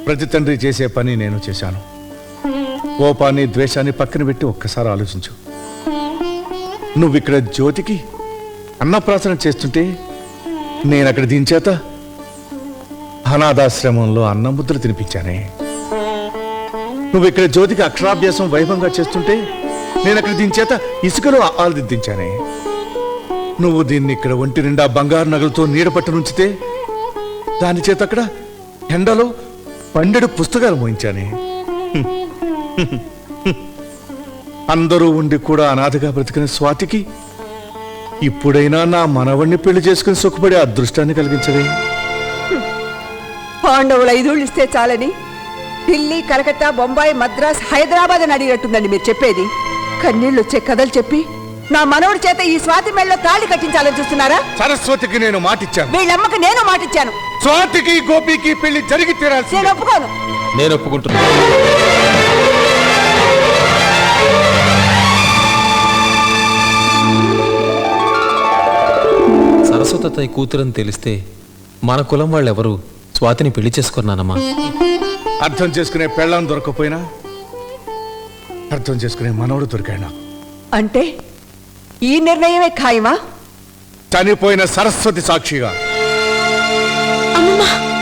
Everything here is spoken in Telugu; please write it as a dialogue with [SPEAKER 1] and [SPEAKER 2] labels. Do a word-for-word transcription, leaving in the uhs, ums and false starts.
[SPEAKER 1] ప్రతి తండ్రి చేసే పని నేను చేశాను. కోపాన్ని ద్వేషాన్ని పక్కన పెట్టి ఒక్కసారి ఆలోచించు. నువ్వు ఇక్కడ జ్యోతికి అన్నప్రాసన చేస్తుంటే నేను అక్కడ దీని చేత అనాథాశ్రమంలో అన్నముద్ర తినిపించానే. నువ్వు ఇక్కడ జ్యోతికి అక్షరాభ్యాసం వైభవంగా చేస్తుంటే నేను అక్కడ దీని చేత ఇసుకలో ఆలదిద్దించానే. నువ్వు దీన్ని ఇక్కడ ఒంటి నిండా బంగారు నగలతో నీడపట్టు నుంచితే దాని చేత అక్కడ ఎండలో పండెడు పుస్తకాలు మోయించానే. అందరూ ఉండి కూడా అనాథగా బ్రతికిన స్వాతికి ఇప్పుడైనా నా మనవణ్ణి పెళ్లి చేసుకుని సుఖపడే అదృష్టాన్ని కలిగించదే.
[SPEAKER 2] పాండవులు ఐదుళ్ళు ఇస్తే చాలని ఢిల్లీ, కలకత్తా, బొంబాయి, మద్రాస్, హైదరాబాద్ అని అడిగినట్టుందండి మీరు చెప్పేది. కన్నీళ్ళు వచ్చే కథలు చెప్పి నా మనవడి చేత ఈ స్వాతి మెళ్ళలో తాళి కట్టించాలని చూస్తున్నారా?
[SPEAKER 1] సరస్వతికి నేను మాటిచ్చాను.
[SPEAKER 2] వీళ్ళమ్మకి నేను మాటిచ్చాను.
[SPEAKER 1] స్వాతికి గోపికి పెళ్లి జరిగి తీరాల్సి.
[SPEAKER 2] నేను ఒప్పుకోను.
[SPEAKER 3] నేను ఒప్పుకుంటున్నాను. సరస్వతి కూతురని తెలిస్తే మన కులం వాళ్ళెవరు స్వాతిని పెళ్లి చేసుకున్నానమ్మా.
[SPEAKER 1] అర్థం చేసుకునే పెళ్ళాం దొరకపోయినా అర్థం చేసుకునే మనవడు దొరికాడు.
[SPEAKER 2] అంటే ఈ నిర్ణయమే ఖాయమా?
[SPEAKER 1] చనిపోయిన సరస్వతి సాక్షిగా.
[SPEAKER 4] అమ్మమ్మ